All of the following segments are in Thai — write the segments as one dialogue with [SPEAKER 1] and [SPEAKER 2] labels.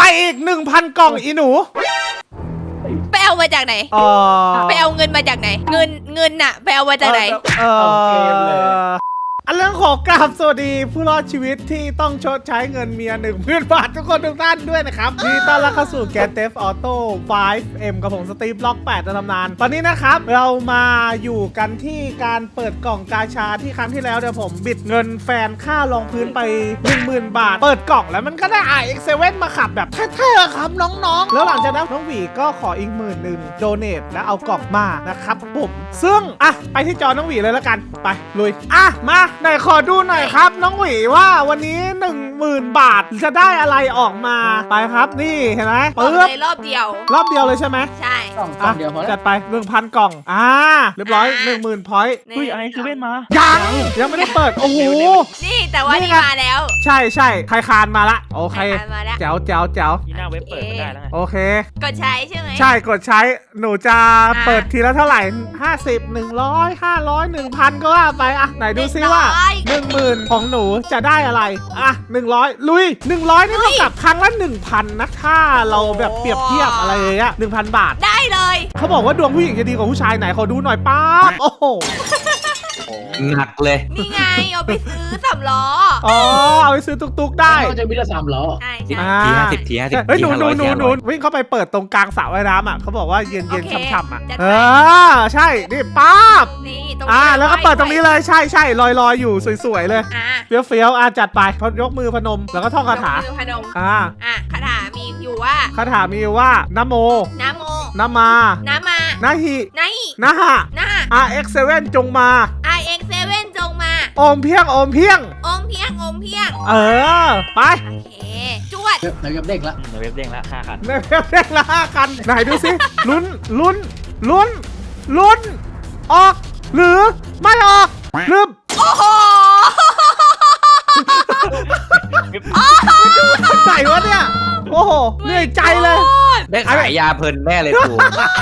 [SPEAKER 1] อีก 1,000 กล่องอีหนู
[SPEAKER 2] ไปเอามาจากไหนไปเอาเงินมาจากไหนเงินน่ะไปเอามาจากไหน
[SPEAKER 1] อันเรื่องของกราบสวัสดีผู้รอดชีวิตที่ต้องชดใช้เงินเมีย10,000 บาททุกคนทุกท่านด้วยนะครับนี่ต้อนรับเข้าสู่ Grand Theft Auto 5M กับผมสตีฟล็อก8ในตำนานตอนนี้นะครับเรามาอยู่กันที่การเปิดกล่องกาชาที่ครั้งที่แล้วเดี๋ยวผมบิดเงินแฟนค่ารองพื้นไป 10,000 บาทเปิดกล่องแล้วมันก็ได้ RX7 มาขับแบบเท่ๆครับน้องๆแล้วหลังจากนั้นน้องหวีก็ขออีก10,000โดเนทแล้วเอากล่องมานะครับผมซึ่งไปที่จอน้องหวีเลยแล้วกันไปลุยมาไหนขอดูหน่อยครับน้องหวีว่าวันนี้ 10,000 บาทจะได้อะไรออกมาไปครับนี่เห็นไหม
[SPEAKER 2] รอบเดียว
[SPEAKER 1] เลยใช่ไหม
[SPEAKER 2] ใช่
[SPEAKER 3] เดียวพอ
[SPEAKER 1] จัดไป 1,000 กล่องเรียบร้อย 10,000 พอยต์
[SPEAKER 3] อุ้ยไอ้คือเว้นมา
[SPEAKER 1] ยังไม่ได้เปิดโอ้โห
[SPEAKER 2] นี่แต่ว่านี่มาแล้ว
[SPEAKER 1] ใช่ใครคานมาละโอเคแจ๋ว
[SPEAKER 3] ที่หน้าเว็บเปิดได้แล้วไง
[SPEAKER 1] โอเค
[SPEAKER 2] กดใช้ใช่ไหม
[SPEAKER 1] ใช่กดใช้หนูจะเปิดทีละเท่าไหร่50 100 500 1,000ก็ว่าไปไหนดูซิว่า10,000ของหนูจะได้อะไร100ลุย100นี่เท่ากับครั้งละ 1,000 นะถ้าเราแบบเปรียบเทียบอะไรอย่างเงี้ย 1,000 บาท
[SPEAKER 2] ได้เลย
[SPEAKER 1] เขาบอกว่าดวงผู้หญิงจะดีกว่าผู้ชายไหนขอดูหน่อยป๊าบโอ้โห
[SPEAKER 4] หนักเลย
[SPEAKER 2] นี่ไงเอาไปซื้อ3 ล้อ
[SPEAKER 1] เอาไปซื้อตุกๆได้
[SPEAKER 3] จะมีแต่3 ล้อ
[SPEAKER 2] ใช่
[SPEAKER 4] ที50
[SPEAKER 1] เฮ้ยหนูวิ่งเข้าไปเปิดตรงกลางสระว่ายน้ำเขาบอกว่าเย็นช่ำใช่นี่ป๊าบ
[SPEAKER 2] นี่ตรง
[SPEAKER 1] แล้วก็เปิดตรงนี้เลยใช่ลอยอยู่สวยๆเลยเฟี้ยวจัดไปยกมือพนมแล้วก็ท่องคาถา
[SPEAKER 2] พนมคาถามีอยู่
[SPEAKER 1] ว่านะโมนะมานะฮินะหะRX7 จงมา
[SPEAKER 2] RX7 จงมา
[SPEAKER 1] โอมเพียงไป
[SPEAKER 2] โอมเพียงจวด
[SPEAKER 3] ในเว็บเด้งละ5 คัน
[SPEAKER 1] ในเว็บเด้งละ5 คันไหนดูสิลุ้นออกหรือไม่ออกลืม
[SPEAKER 2] โอ้โห
[SPEAKER 1] ใส่วะเนี่ยโอ้โหเหนื่อยใจเลย
[SPEAKER 4] ได้ขายยาเพลินแน่เลยกู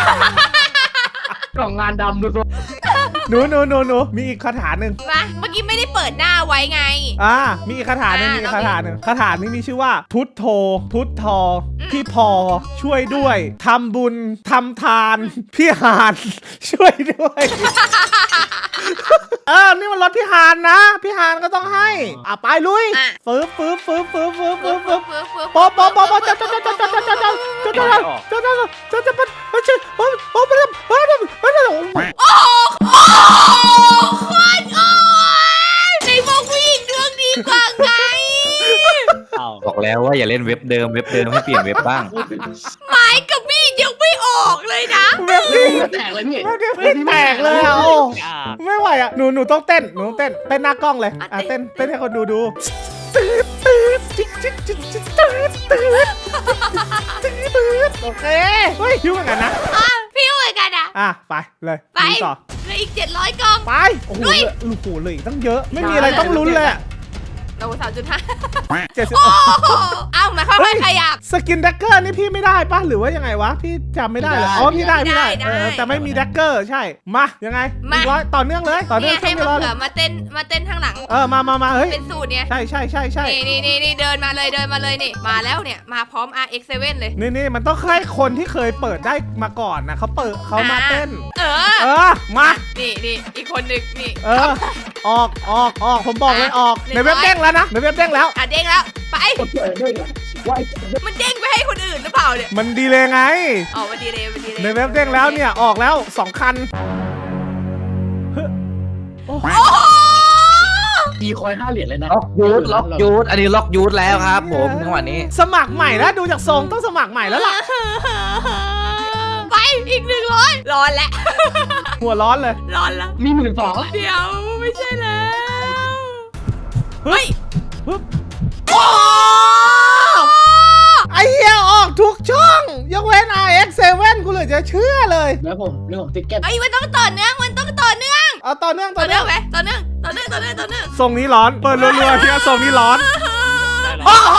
[SPEAKER 3] กล่องงานดำดูสิ
[SPEAKER 1] หนูมีอีกคาถาหนึ่ง
[SPEAKER 2] เมื่อกี้ไม่ได้เปิดหน้าไว้ไง
[SPEAKER 1] มีอีกคาถาหนึ่งคาถานี้มีชื่อว่าพุทโธพี่พอช่วยด้วยทำบุญทำทานพี่หานช่วยด้วยนี่มันรถพี่หานนะพี่หานก็ต้องให้ไปลุยฟื้บป๊อบ
[SPEAKER 2] ในบอกวิ่งดวงดีกว่าไง
[SPEAKER 4] บอกแล้วว่าอย่าเล่นเว็บเดิมให้เปลี่ยนเว็บบ้าง
[SPEAKER 2] ไม้กับมีดยังไม่ออกเลยนะ
[SPEAKER 1] เว็บพี่
[SPEAKER 3] แตกเลยพี่
[SPEAKER 1] แตกเลยไม่ไหวหนูต้องเต้นเต้นหน้ากล้องเลยเต้นให้คนดูโอเคเฮ้ยพิ้วเหมือนกันนะ
[SPEAKER 2] พิ้วเหมือนกัน
[SPEAKER 1] ไปเลย
[SPEAKER 2] ไปต่อเลยอีก700 กล่อง
[SPEAKER 1] ไปโอ้โหเลยตั้งเยอะไม่มีอะไรต้องลุ้นเลย
[SPEAKER 2] เรา3.5
[SPEAKER 1] 70
[SPEAKER 2] มาค่อยๆขยับ
[SPEAKER 1] สกินแดกเกอร์นี่พี่ไม่ได้ปะหรือว่ายังไงวะพี่จำไม่ได้เลยพี่ได้แต่ไม่มีแดกเกอร์ใช่มายังไงต่อเนื่องเลยต่อเนื่อง
[SPEAKER 2] ให้มาเต้นข้างหลัง
[SPEAKER 1] มาเฮ้ย
[SPEAKER 2] เป็นสูตรเนี่ย
[SPEAKER 1] ใช่
[SPEAKER 2] นี่เดินมาเลยนี่มาแล้วเนี่ยมาพร้อม RX7 เลย
[SPEAKER 1] นี่มันต้องให้คนที่เคยเปิดได้มาก่อนนะเขามาเต้นมา
[SPEAKER 2] นี่อีกคนนึงนี่
[SPEAKER 1] ออกผมบอกเลยออกในเว็บเด้งแล้วนะในเว็บเด้งแล้ว
[SPEAKER 2] เด้งแล้วไปมันเด้งไปให้คนอื่นหรือเปล่าเนี่ย
[SPEAKER 1] มันดีเลยไง
[SPEAKER 2] มันดีเลย
[SPEAKER 1] ในเว็บเด้งแล้วเนี่ยออกแล้ว2 คัน
[SPEAKER 3] มีคอย5 เหรียญเลยนะ
[SPEAKER 4] ล็อกยูทอันนี้ล็อกยูทแล้วครับผมจังหวะนี้
[SPEAKER 1] สมัครใหม่แล้วดูจากทรงต้องสมัครใหม่แล้วล่ะ
[SPEAKER 2] ไปอีก100ร้อนแล้ว
[SPEAKER 1] หัวร้อนเลย
[SPEAKER 2] ร้อนแล้ว
[SPEAKER 3] มี12,000
[SPEAKER 2] เดี๋ยวไม่ใช่แล้วเฮ้ย
[SPEAKER 1] ไอ้เหี้ยออกทุกช่องยกเว้น RX7 กูเลยจะเชื่อเลย
[SPEAKER 3] แล้วผมติ๊กเก็ต
[SPEAKER 2] มันต้องต่อเนื่องต่อเนื่อง
[SPEAKER 1] ต่อเนื่อง
[SPEAKER 2] ไหมต่อเนื่อง
[SPEAKER 1] ทรงนี้ร้อนเปิดรัวๆที่ทรงนี้ร้อน
[SPEAKER 4] โอ้โห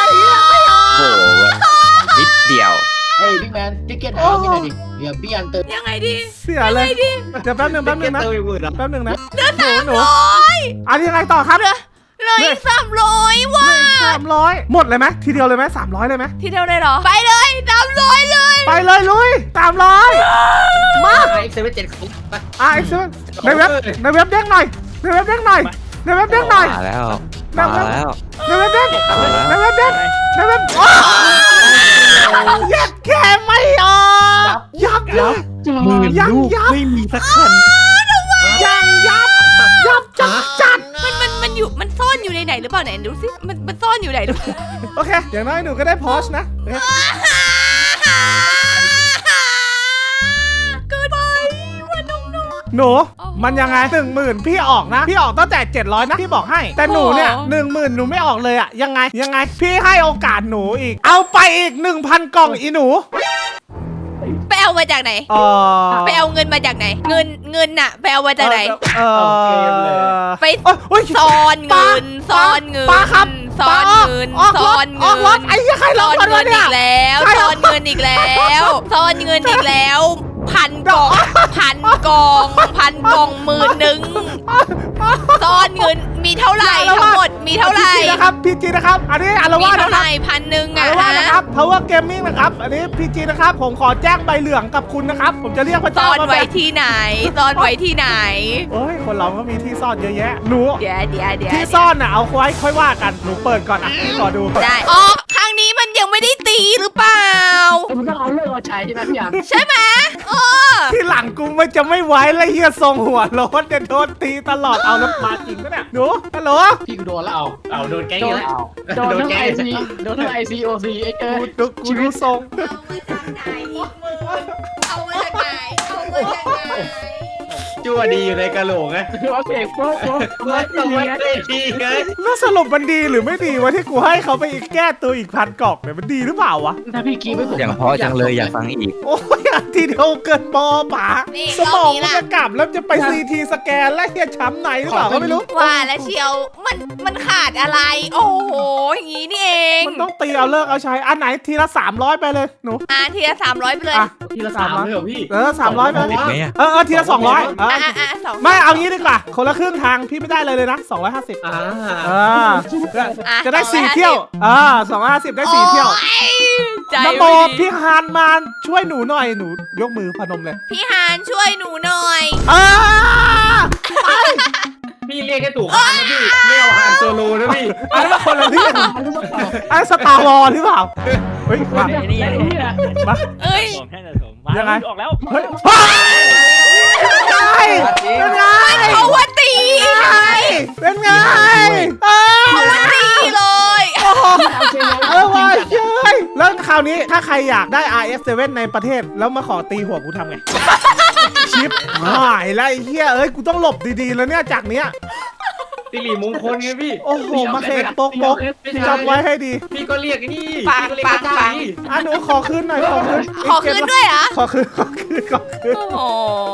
[SPEAKER 4] นิดเดียว
[SPEAKER 3] บิ๊กแมนติ๊กเก็ตหาพี่หน่อยดิเดี๋ยวพี่อันเติม
[SPEAKER 2] ยังไงดี
[SPEAKER 1] เสียเลยเดี๋ยวแป๊บนึงนะ
[SPEAKER 2] เดือน
[SPEAKER 1] หนูอันนี้ยังไงต่อครับ
[SPEAKER 2] เลย300ว่ะ
[SPEAKER 1] 300หมดเลยไหมทีเดียวเลยไหม300เลยไหม
[SPEAKER 2] ทีเดียวเลยเหรอไปเลย300เลย
[SPEAKER 1] ไปเลยลุย300มา
[SPEAKER 3] ไอ้เซเว่นเจ็ดของ
[SPEAKER 1] Excellent ในเว็บเด้งหน่อยในเว็บเด้งหน่อย
[SPEAKER 4] มาแล้วมาแล้ว
[SPEAKER 1] ในเว็บเด้งในเว็บเด้งในเว็บยัดแค่ไม่ออกยับ
[SPEAKER 4] หมื่นลูกไม่มีสักคัน
[SPEAKER 1] ยับจัด
[SPEAKER 2] มันซ่อนอยู่ในไหนหรือเปล่าไหนดูสิมันซ่อนอยู่ไหนหรือเปล่า
[SPEAKER 1] โอเคอย่างน้อยหนูก็ได้พอชนะ
[SPEAKER 2] เกินไปว่าน้อง
[SPEAKER 1] หนูมันยังไง10,000พี่ออกนะพี่ออกตั้งแต่700นะพี่บอกให้แต่หนูเนี่ย10,000หนูไม่ออกเลยอะยังไงพี่ให้โอกาสหนูอีกเอาไปอีก 1,000 กล่องอีหนู
[SPEAKER 2] ไปเอามาจากไหนไปเอาเงินมาจากไหนเงินน่ะไปเอามาจากไหนไปซ่อนเงิน
[SPEAKER 1] ป้าครับ
[SPEAKER 2] ซ่อนเงิน
[SPEAKER 1] ออกรถไอ้เหี้ยใครร
[SPEAKER 2] ซ่
[SPEAKER 1] อ
[SPEAKER 2] อน น
[SPEAKER 1] ก่อน
[SPEAKER 2] เงิ
[SPEAKER 1] วะ
[SPEAKER 2] น
[SPEAKER 1] เนี่
[SPEAKER 2] อี
[SPEAKER 1] ย
[SPEAKER 2] กแล้วซ่อนเงินอีกแล้วซ่อนเงินอีกแล้ว1,000 กล่อง10,000 ซ่อนเงินมีเท่าไหร่ทั้งหมดมีเท่าไหร่
[SPEAKER 1] พีจีนะครับอันนี้อาร
[SPEAKER 2] มี
[SPEAKER 1] วาส
[SPEAKER 2] เท่า
[SPEAKER 1] นะ
[SPEAKER 2] ไห
[SPEAKER 1] ครั
[SPEAKER 2] ร่
[SPEAKER 1] บ
[SPEAKER 2] 1,000อ่ะ
[SPEAKER 1] อารวาสนะครับ Power Gaming นะครับอันนี้พีจีนะครับผมขอแจ้งใบเหลืองกับคุณนะครับผมจะเรียกพระ
[SPEAKER 2] ซ่
[SPEAKER 1] เจ้า
[SPEAKER 2] อน
[SPEAKER 1] มา
[SPEAKER 2] ไว้ที่ไหนซ่อนไว้ที่ไหน
[SPEAKER 1] โอ้ยคนเราก็มีที่ซ่อนเยอะแยะหนู
[SPEAKER 2] เดี๋ยว
[SPEAKER 1] ที่ซ่อนน่ะเอาไว้ค่อยว่ากันหนูเปิดก่อนอ่ะพี่ขอดู
[SPEAKER 2] ได้อ๋อครั้งนี้มันยังไม่ได้ตีหรือเปล่า
[SPEAKER 3] มันต้องเอาเลิกเอาใช้ใช่ไหมพี่ยาม
[SPEAKER 2] ใช่ไหม
[SPEAKER 1] ที่หลังกูมันจะไม่ไหวแล้วเฮียทรงหัวโล้นเนี่ยโดนตีตลอดเอาน้ำปลาจริงปะเนี่ยหนูฮัลโหล
[SPEAKER 3] พี่กูโดนแล้วเอาโดนแก๊งแล้ว
[SPEAKER 5] โดนทั้ง
[SPEAKER 3] แก๊ง
[SPEAKER 5] IC โดนทั้ง ICOC ไอ้เกิน
[SPEAKER 1] กูดูทรง
[SPEAKER 2] เอามาจากไหนเอามาจากไหน
[SPEAKER 4] จั่วดีอยู่ในกะโหลกไง
[SPEAKER 5] โอเคโป๊ะ
[SPEAKER 4] ต้องไว้ได้ดีไง
[SPEAKER 1] แล้วสรุปมันดีหรือไม่ดีวะที่กูให้เขาไปอีกแก้ตัวอีก1,000 กล่องเนี่ยมันดีหรือเปล่าวะ
[SPEAKER 3] ถ้าพี่กีไม่ผม
[SPEAKER 4] อย่างเพราะจังเลยอยากฟังอีก
[SPEAKER 1] โอ้ยอันทีเดียวเกินปอป๋าสมองมันจะกลับแล้วจะไปซีทีสแกนแล้วเฮียช้ำไหนหรือเปล่าก็ไม่รู้
[SPEAKER 2] ว่าแล้วเชียวมันขาดอะไร โอ้โหอย่างนี้นี่เอง
[SPEAKER 1] มันต้องตีเอาเลิกเอาใช้อันไหนทีละ300ไปเลยหนู
[SPEAKER 2] ทีละ300ไปเลย
[SPEAKER 1] อ่ะ
[SPEAKER 3] ทีละ3เลยเหรอพี่
[SPEAKER 1] 300ไป
[SPEAKER 4] อีกไหมอะ
[SPEAKER 1] ทีละ200
[SPEAKER 2] 2
[SPEAKER 1] ไม่เอางี้ดีกว่าคนละครึ่งทางพี่ไม่ได้เลยนะ250จะได้4เที่ยว250ได้4เที่ยว
[SPEAKER 2] ใจ
[SPEAKER 1] นโมพี่ฮานมาช่วยหนูหน่อยหนูยกมือพนมเลย
[SPEAKER 2] พี่ฮานช่วยหนูหน่อย
[SPEAKER 3] พี่เรียกแค่ถูกนะพี่ไม่เอาฮานโซโลนะพี่
[SPEAKER 1] อันนั้นคนละเรื่องอันสตาร์วอลหรือเปล่าเฮ้ยมา
[SPEAKER 5] นี่
[SPEAKER 2] เอ้ย
[SPEAKER 5] ผมแค่จะผมมาออกแล้ว
[SPEAKER 1] เฮ้ยเป็นไง
[SPEAKER 2] เขาว่าตี
[SPEAKER 1] เป็นไง
[SPEAKER 2] เขาว่าตีเลย
[SPEAKER 1] ว่ะเย้ยแล้วคราวนี้ถ้าใครอยากได้ RF7 ในประเทศแล้วมาขอตีหัวกูทำไงชิปหายแล้วไอ้เหี้ยเอ้ยกูต้องหลบดีๆแล้วเนี่ยจากเนี้ย
[SPEAKER 3] สิริมงคลไงพี่
[SPEAKER 1] โอ้โหมาเขกโป๊กจำไว้ให้ดี
[SPEAKER 3] พี่ก็เรียกนี่
[SPEAKER 2] ปัง
[SPEAKER 1] หนูขอคืนหน่อยขอคืน
[SPEAKER 2] ขอคืนด้วยเหรอ
[SPEAKER 1] ขอคืน
[SPEAKER 2] โอ้โห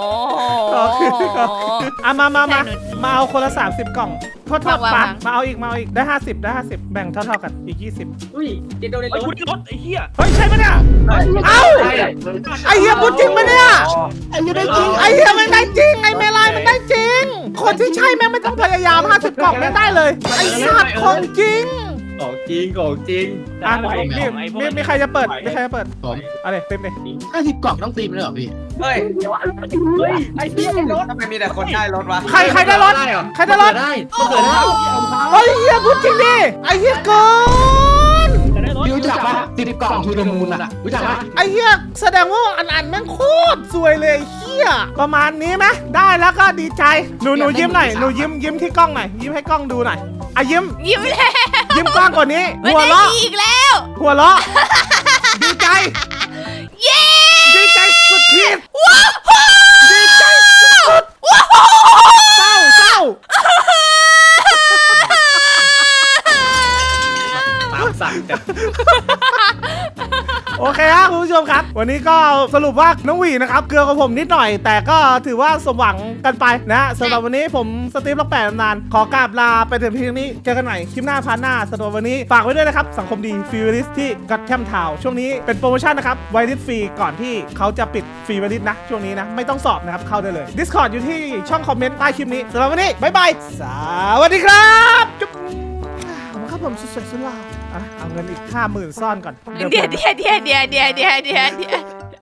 [SPEAKER 1] มาเอาคนละ30 กล่องโทษ
[SPEAKER 2] วาง
[SPEAKER 1] ปังมาเอาอีกได้50แบ่งเท่ากันอีก20
[SPEAKER 3] อุ้ยเจโดในรถ
[SPEAKER 5] รถไอ้เหี้ย
[SPEAKER 1] เฮ้ยใช่ปะเนี่ยเอ้าไอเฮียพูดจริงปะเนี่ยไอเฮียได้จริงไอเฮียมันได้จริงไอเมลายมันได้จริงคนที่ใช่แม่งไม่ต้องพยายาม50 กล่องไม่ได้เลยไอสัตว์ของจริง
[SPEAKER 3] ของจริง
[SPEAKER 1] มีใครจะเปิด
[SPEAKER 3] ผม
[SPEAKER 1] อะไรเต็มเลย
[SPEAKER 3] 50 กล่องต้องตีมันเลยเหรอพี่
[SPEAKER 4] เฮ้ยไอ้พี่รถทำไมมีแต่คนได้รถวะ
[SPEAKER 1] ใครได้รถ ใครได้รถ
[SPEAKER 3] ได้มันเกิดได้
[SPEAKER 1] ไอเฮียพูดจริงดิไอเฮียเกิน
[SPEAKER 3] พี่รู้จักปะ10 กล่องทูเดอะมูนอะรู้จักปะ
[SPEAKER 1] ไอเฮียแสดงว่าอันแม่งโคตรสวยเลยเฮียประมาณนี้ไหมได้แล้วก็ดีใจหนูยิ้มหน่อยหนูยิ้มที่กล้องหน่อยยิ้มให้กล้องดูหน่อยอ่ะยิ้ม
[SPEAKER 2] แล้ว
[SPEAKER 1] ยิ้มกว้างกว่านี้
[SPEAKER 2] มัน
[SPEAKER 1] หัว
[SPEAKER 2] ได้
[SPEAKER 1] เราะ
[SPEAKER 2] ตีอีกแล้ว
[SPEAKER 1] หัวเราะดีใจ
[SPEAKER 2] เย้
[SPEAKER 1] ดีใจสุดขีดดีใจสุดเศร้า
[SPEAKER 3] ตามสั่งจ้ะ
[SPEAKER 1] โอเคครับคุณผู้ชมครับ วันนี้ก็สรุปว่าน้องหวีนะครับเกลือกับผมนิดหน่อย แต่ก็ถือว่าสมหวังกันไปนะสำหรับวันนี้ผมสตีฟล็อก8นานขอกราบลาไปถึงเพียงนี้เจอกันใหม่คลิปหน้าพาร์ทหน้าสำหรับวันนี้ฝากไว้ด้วยนะครับสังคมดีฟิวริสที่กัตแคมทาวช่วงนี้เป็นโปรโมชั่นนะครับไวริสฟรีก่อนที่เขาจะปิดฟรีไวริสนะช่วงนี้นะไม่ต้องสอบนะครับเข้าได้เลย Discord อยู่ที่ช่องคอมเมนต์ใต้คลิปนี้สำหรับวันนี้บ๊ายบายสวัสดีครับจุ๊บครับผมสุดๆสุดหล่อเอาเงินอีก50,000ซ่อนก่อน
[SPEAKER 2] เดี๋ยว